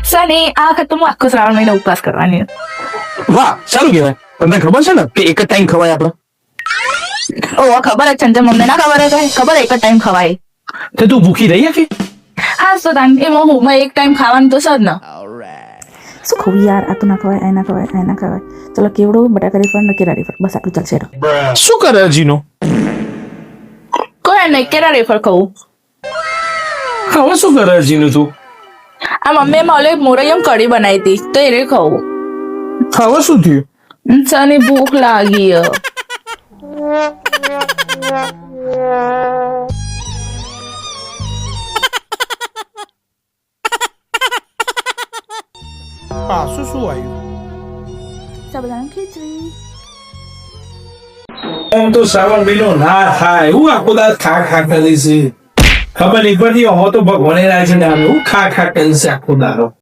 સની આ વખત તો હું આખો શ્રાવણ મહિનો ઉપવાસ કરવાની છું. વાહ સારું કહેવાય. તમને ખબર છે ને કે એક જ ટાઈમ ખવાય આપણે? ઓહ ખબર જ છે ને મમ્મી ના ખબર જ હોય ખબર એક જ ટાઈમ ખવાય. તે તું ભૂખી રહી કે? હા તો તાન એમાં હું એક ટાઈમ ખાવાનું તો છે જ ને. શું ખવું યાર, આ તો ના ખવાય, આ ના ખવાય, આ ના ખવાય. ચલો કેવડો બટાકા રીફંડ કેરા રીફંડ બસ આટલું ચાલશે. શું કરે હજીનો? કોઈ નહીં કેરા રેફર ખાવું. હવે શું કરે હજીનું તું? આ મમ્મીએ મને મોરૈયમ કઢી બનાવી હતી તો એને ખાવું. હવે શું થયું? સની ભૂખ લાગી હે. પાછું શું આવ્યું? સાબુદાણા ખીચડી. એમ તો શ્રાવણ મહિનો ના થાય હું આખો દાસ ખા ખા કરી છે ખબર નહીં પડતી હો તો ભગવાને રાજ ને હું ખા ખા કરી છે આખો દારો